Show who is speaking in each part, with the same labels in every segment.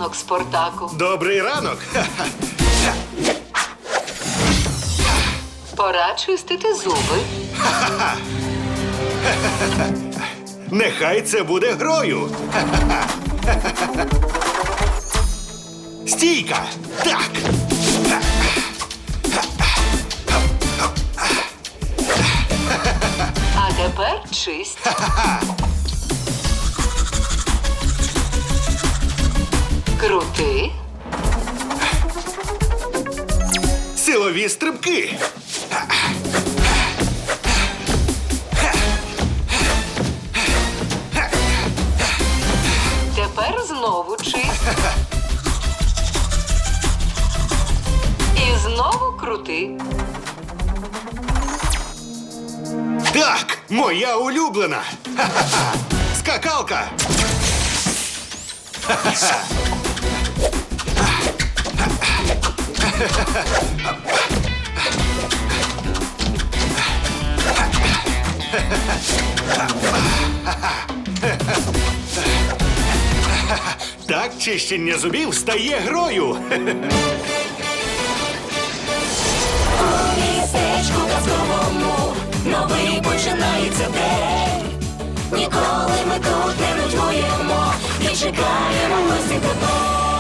Speaker 1: ранок, Спартаку.
Speaker 2: Добрий ранок.
Speaker 1: Пора чистити зуби.
Speaker 2: Нехай це буде грою. Стійка. Так.
Speaker 1: А тепер чисть. Крути.
Speaker 2: Силові стрибки.
Speaker 1: Тепер знову чисть. І знову крути.
Speaker 2: Так, моя улюблена. Ха-ха-ха. Скакалка. Так чищення зубів стає грою.
Speaker 3: У містечку казковому новий починається день. Ніколи ми тут не нудьгуємо і чекаємо гості тебе.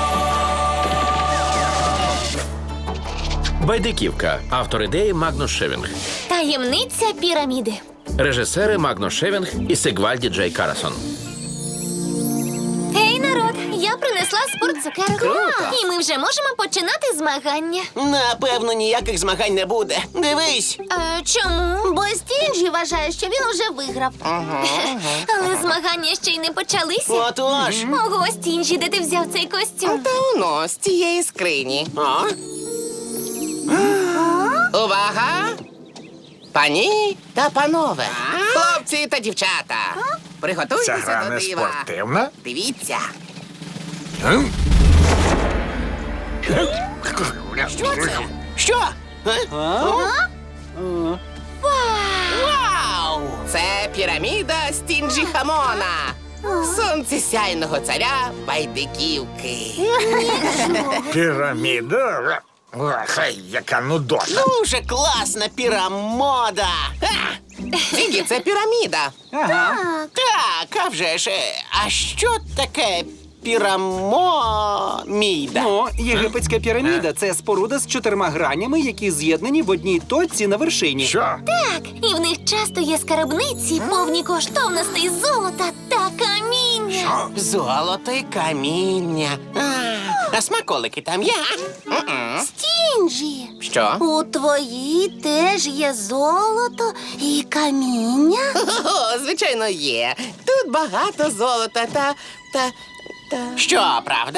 Speaker 4: Байдиківка. Автор ідеї Магнус Шевінг.
Speaker 5: Таємниця піраміди.
Speaker 4: Режисери Магнус Шевінг і Сигвальді Джей Карасон.
Speaker 5: Гей, народ, я принесла спортцукерок.
Speaker 6: Круто.
Speaker 5: І ми вже можемо починати змагання.
Speaker 6: Напевно, ніяких змагань не буде. Дивись.
Speaker 5: Чому? Бо Стінджі вважає, що він уже виграв. Але змагання ще й не почалися.
Speaker 6: Отож.
Speaker 5: Ого, Стінджі, де ти взяв цей костюм?
Speaker 7: Та воно, з цієї скрині.
Speaker 6: О.
Speaker 7: Увага! Пані та панове, хлопці та дівчата, приготуйтеся до дива.
Speaker 2: спортивна?
Speaker 7: Дивіться.
Speaker 6: Що це? Що? Вау!
Speaker 7: Це піраміда Стінджі Хамона, сонцесяйного царя Байдиківки.
Speaker 2: Піраміда? Хай, яка нудота.
Speaker 6: Дуже класна пірамода.
Speaker 7: Тільки це піраміда.
Speaker 6: Так, а вже ж. А що таке пірамоміда?
Speaker 8: Ну, єгипетська піраміда – це споруда з 4 гранями, які з'єднані в одній точці на вершині.
Speaker 2: Що?
Speaker 5: Так, і в них часто є скарбниці, повні коштовностей золота та каміння.
Speaker 6: Золото і каміння. А смаколики там є?
Speaker 5: Стінджі,
Speaker 7: Що?
Speaker 5: у твоїй теж є золото і каміння?
Speaker 7: О, звичайно, є. Тут багато золота та.
Speaker 6: Що, правда?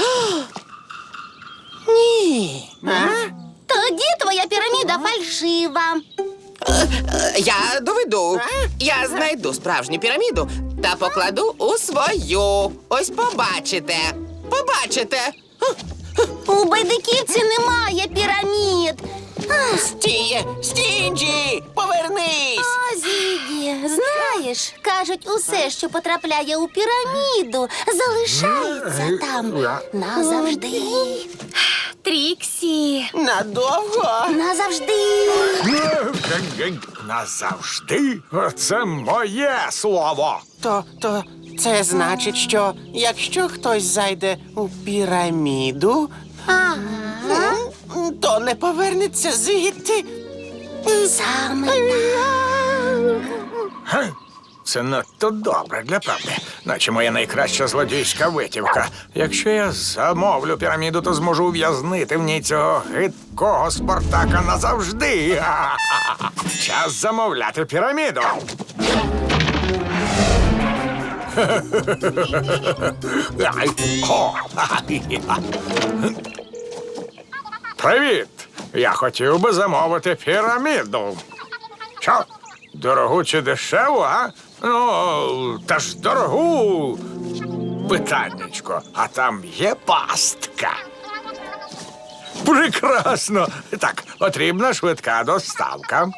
Speaker 7: Ні.
Speaker 5: Тоді твоя піраміда фальшива.
Speaker 7: Я доведу. Я знайду справжню піраміду та покладу у свою. Ось побачите. Побачите.
Speaker 5: У Байдиківці немає пірамід.
Speaker 6: Стінджі, повернись!
Speaker 5: О, Зігі, знаєш, кажуть, усе, що потрапляє у піраміду, залишається там назавжди. Тріксі,
Speaker 6: Надовго?
Speaker 5: назавжди.
Speaker 2: Назавжди? Це моє слово.
Speaker 6: То це значить, що якщо хтось зайде у піраміду, то не повернеться звідти.
Speaker 5: Саме так.
Speaker 2: Це надто добре для правди. Наче моя найкраща злодійська витівка. Якщо я замовлю піраміду, то зможу ув'язнити в ній цього гидкого Спартака назавжди. Час замовляти піраміду. Привіт! Я хотів би замовити піраміду. Що? Дорогу чи дешеву, а? Ну, та ж дорогу. Питаннячко, а там є пастка. Прекрасно. Так, потрібна швидка доставка.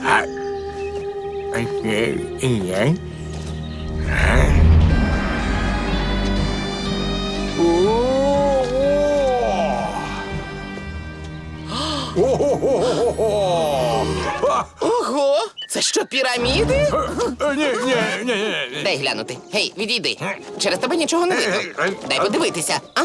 Speaker 7: Ого! Це що, піраміди?
Speaker 2: Ні.
Speaker 7: Дай глянути. Гей, відійди. Через тебе нічого не видно. Дай подивитися. А?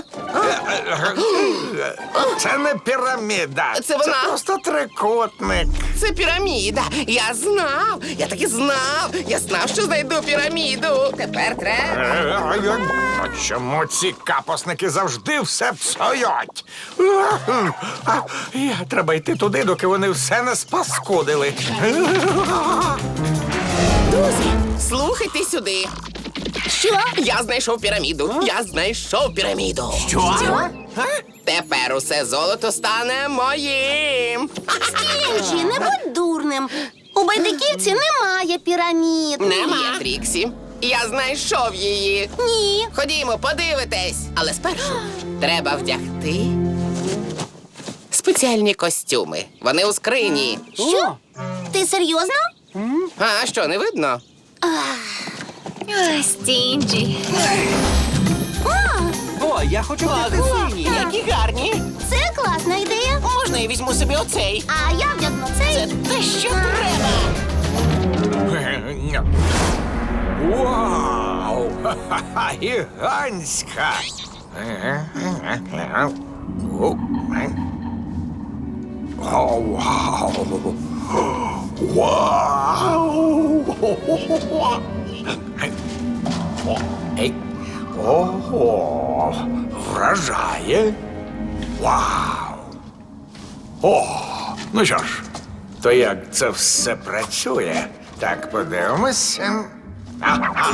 Speaker 2: Це не піраміда.
Speaker 7: Це вона.
Speaker 2: Це просто трикутник.
Speaker 7: Це піраміда. Я знав. Я таки знав. Я знав, що знайду піраміду. Тепер треба.
Speaker 2: Чому ці капосники завжди все псують? Треба йти туди, доки вони все не спаскудили.
Speaker 7: Друзі, слухайте сюди.
Speaker 5: Що?
Speaker 7: Я знайшов піраміду. Я знайшов піраміду.
Speaker 6: Що?
Speaker 7: Тепер усе золото стане моїм.
Speaker 5: Стінджі, не будь дурним. У байдиківці немає пірамід.
Speaker 7: Є, Тріксі. Я знайшов її.
Speaker 5: Ні.
Speaker 7: Ходімо, подивитесь. Але спершу треба вдягти спеціальні костюми. Вони у скрині.
Speaker 5: Що? Ти серйозно?
Speaker 7: А що, не видно?
Speaker 5: Стінджі.
Speaker 8: О, я хочу взяти синій.
Speaker 6: Які гарні.
Speaker 5: Це класна ідея.
Speaker 6: Можна я візьму собі оцей?
Speaker 5: А я вдягну цей.
Speaker 6: Це те, що треба.
Speaker 2: Вау! Ха-ха-ха! Гігантська! О, вау! Вау! Ей! Ого! Вражає! Вау! О! Ну що ж, то як це все працює? Так, подивимося. Ага.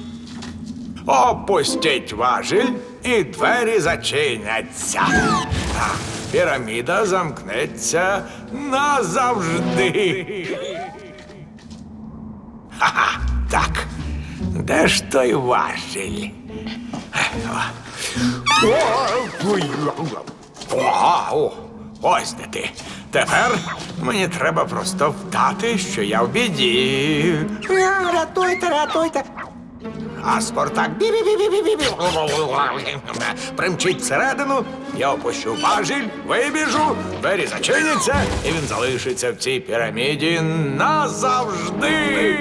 Speaker 2: Опустіть важіль, і двері зачиняться. Піраміда замкнеться назавжди. Ха-ха, так. Де ж той важіль? О, ось де ти. Тепер мені треба просто вдати, що я в біді. Рятуйте, рятуйте. А Спартак бі-бі-бі-бі-бі-бі. Примчить всередину, я опущу важіль, вибіжу, двері зачиняться, і він залишиться в цій піраміді назавжди.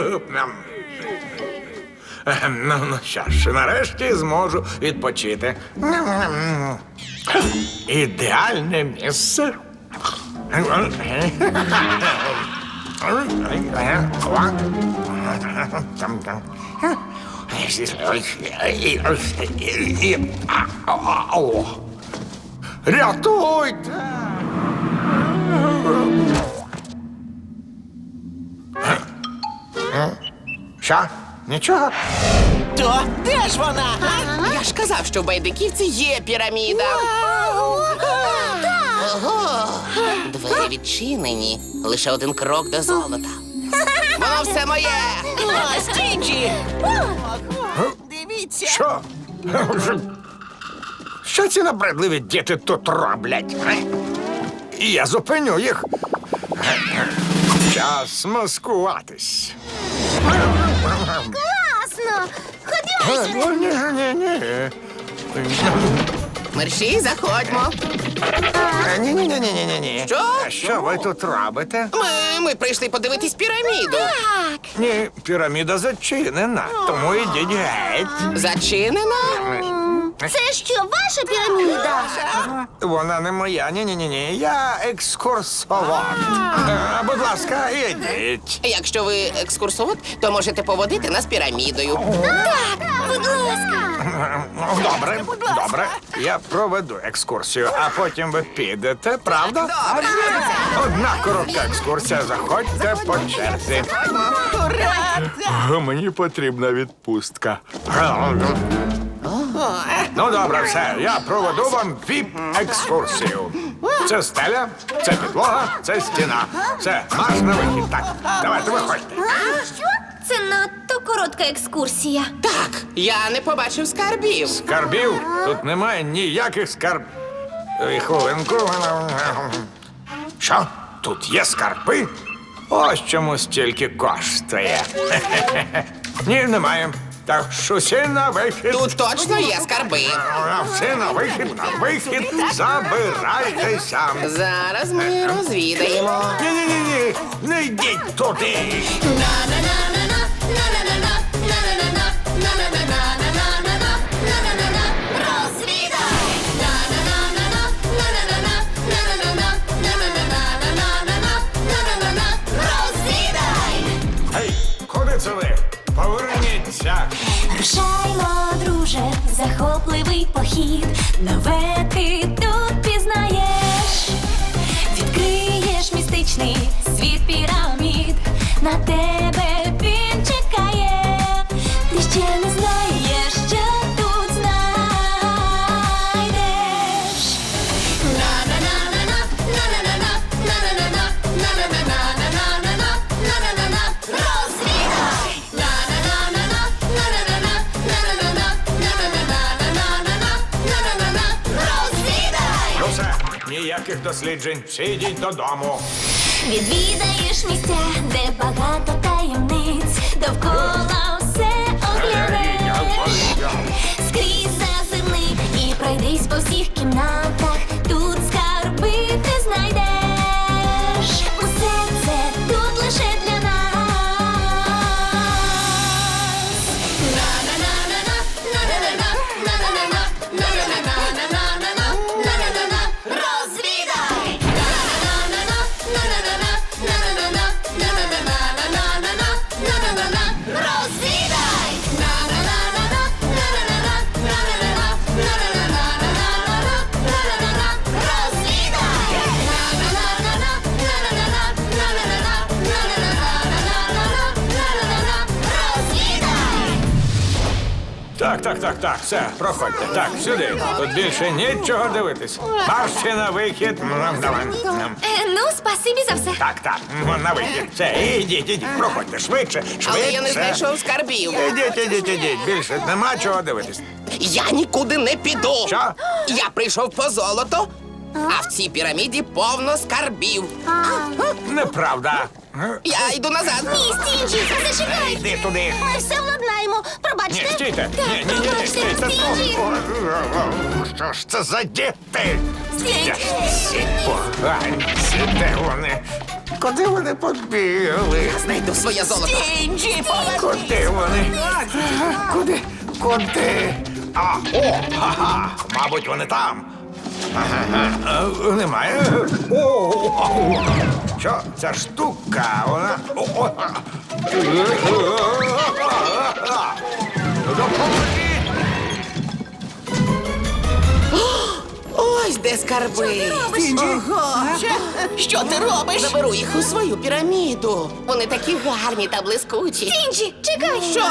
Speaker 2: Ну що ж, нарешті зможу відпочити. Ідеальне місце. Рятуйте! Що? Нічого?
Speaker 6: То де ж вона?
Speaker 7: Я ж казав, що в байдиківці є піраміда. Ого! Двері відчинені. Лише один крок до золота. Воно все моє!
Speaker 6: О, Стінджі! Дивіться!
Speaker 2: Що? Що ці набридливі діти тут роблять? І я зупиню їх. Час маскуватись.
Speaker 5: Класно! Ходімо сюди.
Speaker 2: Ні.
Speaker 7: Мерші, заходьмо.
Speaker 2: Ні.
Speaker 7: Що?
Speaker 2: Що ви тут робите?
Speaker 7: Ми прийшли подивитись піраміду.
Speaker 2: Ні, піраміда зачинена, тому йдіть геть.
Speaker 7: Зачинена?
Speaker 5: Це що, ваша піраміда?
Speaker 2: Вона не моя, ні. Я екскурсовод. Будь ласка, ідіть.
Speaker 7: Якщо ви екскурсовод, то можете поводити нас пірамідою.
Speaker 5: Будь ласка.
Speaker 2: Добре. Я проведу екскурсію, а потім ви підете, правда? Одна коротка екскурсія. Заходьте по черзі. Мені потрібна відпустка. Ну, добре, все. Я проведу вам віп-екскурсію. Це стеля, це підлога, це стіна. Все, марш на вихід. Так, давайте виходьте.
Speaker 5: Що? Це надто коротка екскурсія.
Speaker 7: Так, я не побачив скарбів.
Speaker 2: Скарбів? Тут немає ніяких скарбів. Хвилинку. Що? Тут є скарби? Ось чому стільки коштує. Ні, немає. Так що всі на вихід.
Speaker 7: Тут точно є скарби.
Speaker 2: Всі на вихід, забирайтеся.
Speaker 7: Зараз ми розвідаємо.
Speaker 2: Ні, не йдіть туди. Гей, куди це ви? Поверніться.
Speaker 3: Рушаймо, друже, в захопливий похід. Нове ти тут пізнаєш. Відкриєш містичний світ пірамід. На тебе він чекає. Ти ще не знаєш, що тут знайдеш.
Speaker 2: Ну все, ніяких досліджень. Всі йдіть додому.
Speaker 3: Відвідаєш місця, де багато таємниць. Довкола все оглянеш. Скрізь зазирни і пройдись по всіх кімнатах. Тут скарби ти знайдеш. Усе це тут лише для нас. Розвідай! Розвідай!
Speaker 2: Так, все, проходьте. Так, сюди. Тут більше нічого дивитись. Марші на вихід. Давай.
Speaker 5: Ну, спасибі за все.
Speaker 2: Так, на вихід. Все, ідіть, проходьте. Швидше.
Speaker 7: Але я не знайшов скарбів.
Speaker 2: Ідіть. Більше нема чого дивитись.
Speaker 7: Я нікуди не піду.
Speaker 2: Що?
Speaker 7: Я прийшов по золото, а в цій піраміді повно скарбів.
Speaker 2: Неправда.
Speaker 7: Я йду назад.
Speaker 5: Ні, Стінджі, зачекай.
Speaker 2: Йди туди.
Speaker 5: Ми все владнаємо.
Speaker 2: Ні,
Speaker 5: Пробачте.
Speaker 2: стійте. Ні,
Speaker 5: Пробачте,
Speaker 2: стійте.
Speaker 5: Стінджі.
Speaker 2: Що ж це за діти?
Speaker 5: Стінджі.
Speaker 2: Всі поганці, де вони? Куди вони побігли?
Speaker 7: Знайду своє золото.
Speaker 2: Куди вони? Куди? Ага, мабуть, вони там. Немає. Що ця штука? Вона. Допоможіть!
Speaker 7: Ось де скарби. Що ти робиш? Заберу їх у свою піраміду. Вони такі гарні та блискучі.
Speaker 5: Стінджі, чекай.
Speaker 7: Що?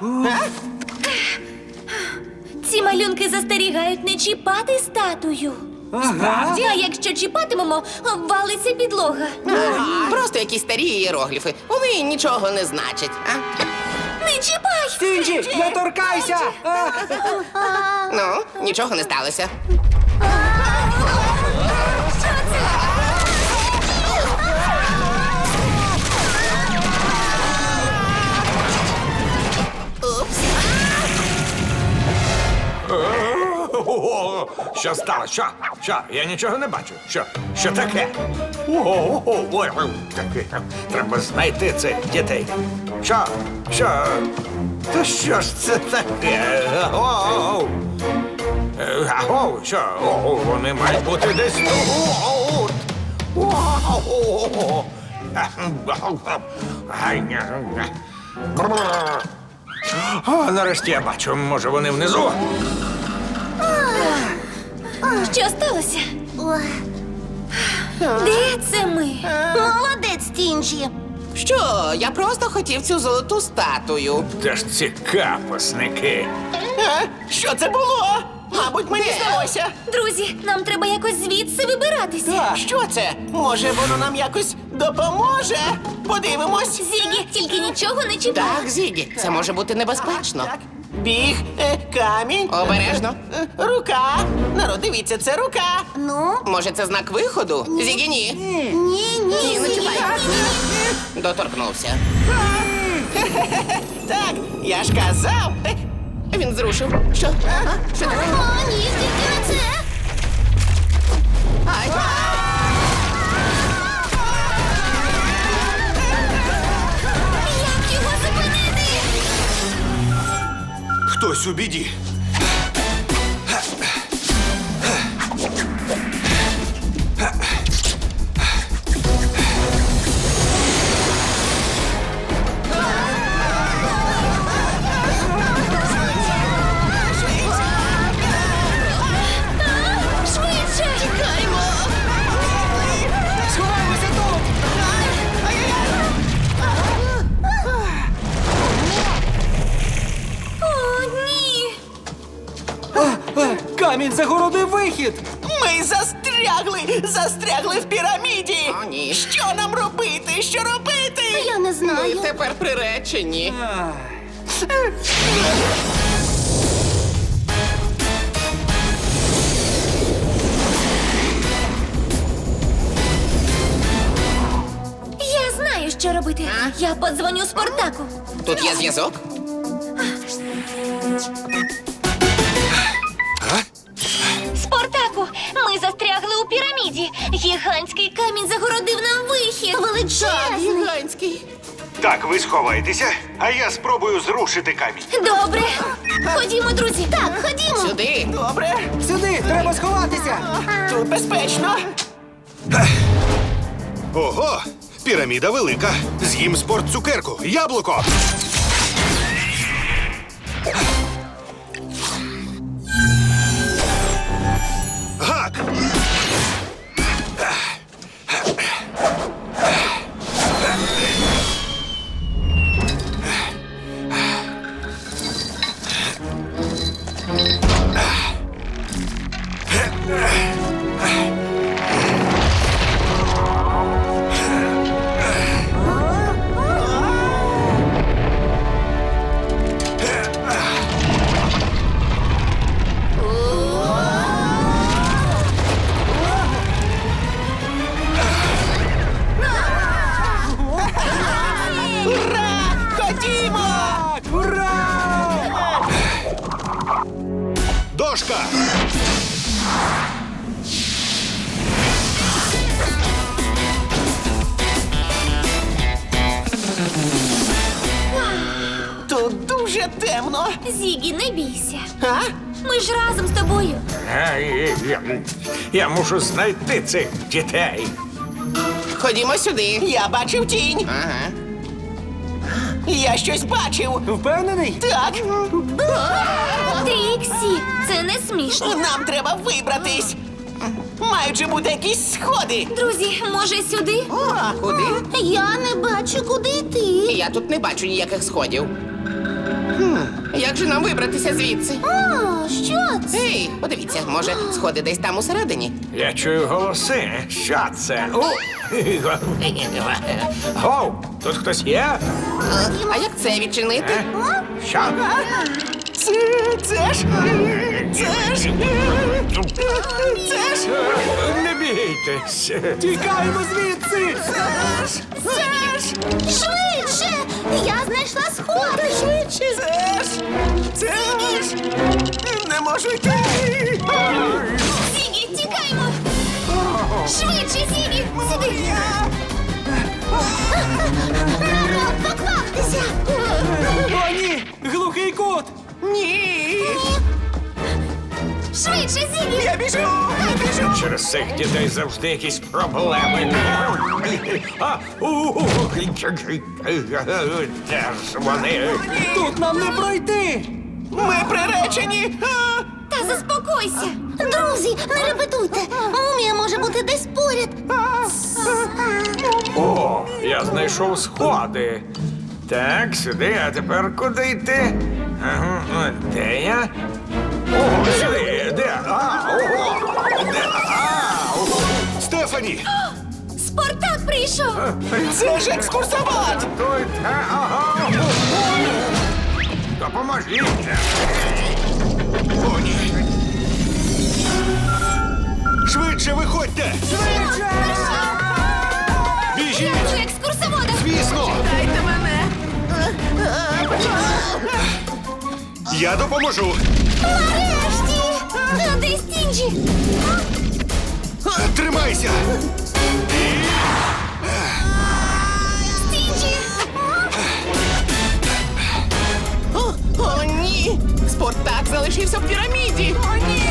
Speaker 5: Ці малюнки застерігають не чіпати статую. Справді? А якщо чіпатимемо, обвалиться підлога.
Speaker 7: Просто якісь старі іерогліфи. Вони нічого не значать. А?
Speaker 5: Не чіпай!
Speaker 8: Стінджі, не торкайся!
Speaker 7: Ну, нічого не сталося.
Speaker 2: Що сталося? Що? Я нічого не бачу. Що таке? Таке. Треба знайти цих дітей. Що? Та що ж це таке? Що? Вони мають бути десь тут. Нарешті я бачу, може вони внизу?
Speaker 5: Що сталося? Де це ми? Молодець, Стінджі.
Speaker 7: Що? Я просто хотів цю золоту статую.
Speaker 2: Де ж ці капосники?
Speaker 6: Що це було? Мабуть, мені здалося.
Speaker 5: Друзі, нам треба якось звідси вибиратися.
Speaker 6: Що це? Може, воно нам якось допоможе? Подивимось.
Speaker 5: Зігі, тільки нічого не чіпай.
Speaker 7: Так, Зігі, це може бути небезпечно.
Speaker 6: Так. біг, камінь,
Speaker 7: Обережно.
Speaker 6: рука. Народ, дивіться, це рука.
Speaker 3: Ну?
Speaker 7: Може, це знак виходу? Зігі, ні.
Speaker 3: Ні,
Speaker 7: Не чіпай. Доторкнувся.
Speaker 6: Так, я ж казав.
Speaker 7: Він зрушив. Що? Що таке?
Speaker 3: О, ні, тільки не це.
Speaker 7: Ай.
Speaker 3: Як його зупинити?
Speaker 9: Хтось у біді.
Speaker 3: Швидше! Тікаймо!
Speaker 6: Сховаємося тут.
Speaker 5: О, ні!
Speaker 8: Камінь загородив вихід!
Speaker 6: Ми застрягли в піраміді.
Speaker 7: О, ні.
Speaker 6: Що нам робити? Що робити?
Speaker 3: Я не
Speaker 7: Ми
Speaker 3: знаю.
Speaker 7: тепер приречені.
Speaker 5: Я знаю, що робити. Я подзвоню Спартаку.
Speaker 7: Тут є зв'язок?
Speaker 5: Спартаку, ми застрягли у піраміді. Гігантський камінь загородив нам вихід.
Speaker 3: Величезний.
Speaker 7: Гігантський.
Speaker 9: Так, ви сховайтеся, а я спробую зрушити камінь.
Speaker 5: Добре. Ходімо, друзі.
Speaker 3: Так, ходімо.
Speaker 7: Сюди.
Speaker 6: Добре,
Speaker 8: Сюди, треба сховатися!
Speaker 6: тут безпечно.
Speaker 9: Ого! Піраміда велика. З'їм спортцукерку. Яблуко. Гак!
Speaker 6: Ура! Ходімо!
Speaker 8: Ура!
Speaker 9: Дошка!
Speaker 6: Тут дуже темно.
Speaker 5: Зігі, не бійся.
Speaker 6: А?
Speaker 5: Ми ж разом з тобою.
Speaker 2: Я мушу знайти цих дітей.
Speaker 7: Ходімо сюди.
Speaker 6: Я бачив тінь.
Speaker 7: Ага.
Speaker 6: Я щось бачив.
Speaker 8: Впевнений?
Speaker 6: Так,
Speaker 5: Тріксі, це не смішно.
Speaker 6: нам треба вибратись. Мають же бути якісь сходи.
Speaker 5: Друзі, може сюди?
Speaker 7: Куди?
Speaker 3: Я не бачу, куди йти.
Speaker 7: Я тут не бачу ніяких сходів. Як же нам вибратися звідси?
Speaker 3: О, що це?
Speaker 7: Ей, подивіться, може, сходи десь там усередині?
Speaker 2: Я чую голоси. Що це? Гоу, тут хтось є?
Speaker 7: А як це відчинити?
Speaker 2: Що?
Speaker 6: Це ж.
Speaker 2: Не бійтесь.
Speaker 8: Тікаємо звідси!
Speaker 3: Швидше! Я знайшла сходи. Швидше!
Speaker 6: Це ж. Не можу йти.
Speaker 5: Зігі, тікаймо! Швидше, Зігі! Сюди!
Speaker 3: Народ, покваптеся!
Speaker 8: О, ні! Глухий кут!
Speaker 6: Ні.
Speaker 5: Швидше, Зігі!
Speaker 6: Я біжу.
Speaker 2: Через цих дітей завжди якісь проблеми. Де ж вони?
Speaker 8: Тут нам не пройти!
Speaker 6: Ми приречені. А!
Speaker 5: Та заспокойся!
Speaker 3: Друзі, не репетуйте. Мумія може бути десь поряд.
Speaker 2: О, я знайшов сходи. Так, сюди, а тепер куди йти? Ага, де я? О, сюди, де? Ого! Де? Ого!
Speaker 9: Стефані!
Speaker 5: Спартак прийшов!
Speaker 6: Це ж екскурсовод.
Speaker 2: Тут, ага. Допоможіть!
Speaker 9: О, ні. Швидше виходьте! Біжіть!
Speaker 5: Дякую, екскурсовода!
Speaker 9: Звісно!
Speaker 7: Дайте мене.
Speaker 9: Я допоможу!
Speaker 5: Нарешті! А де Стінджі?
Speaker 9: Тримайся!
Speaker 5: Стінджі!
Speaker 7: О, ні! Спартак залишився в піраміді! О, ні!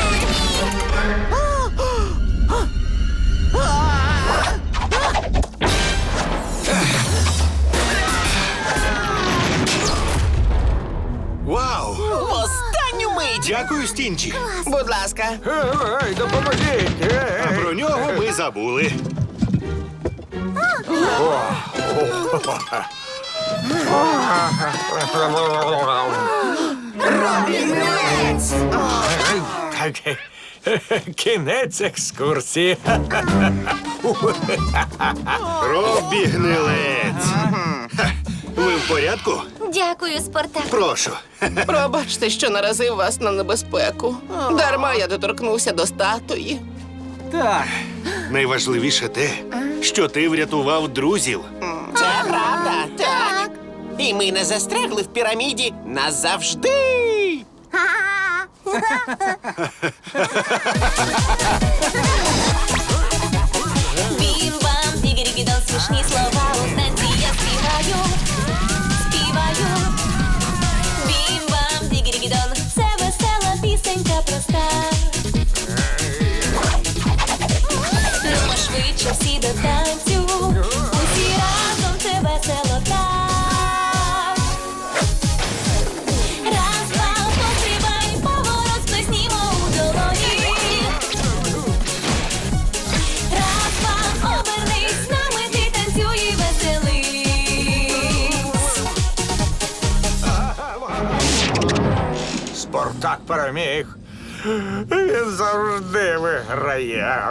Speaker 9: Вау!
Speaker 6: В останню мить!
Speaker 9: Дякую, Стінчі!
Speaker 7: Будь ласка.
Speaker 2: Ей, допоможіть!
Speaker 9: А про нього ми забули.
Speaker 2: Кінець екскурсії.
Speaker 9: Робі гнилець! Ха, ви в порядку?
Speaker 5: Дякую, Спартак.
Speaker 9: Прошу.
Speaker 7: Пробачте, що наразив вас на небезпеку. Дарма я доторкнувся до статуї.
Speaker 8: Так,
Speaker 9: Найважливіше те, що ти врятував друзів.
Speaker 6: Це правда, так. І ми не застрягли в піраміді назавжди.
Speaker 5: Бім-бам, дігірі-гідон, смішні слова у танці я співаю, співаю. Бім-бам, дігірі-гідон, це весела пісенька проста. Ну, швидше всі до танцю, усі разом це весело так. Раз, два, пострибай, поворот сплеснімо у долоні. Раз, два, обернись, з нами ти танцюй і веселись.
Speaker 2: Спартак переміг. Він завжди виграє.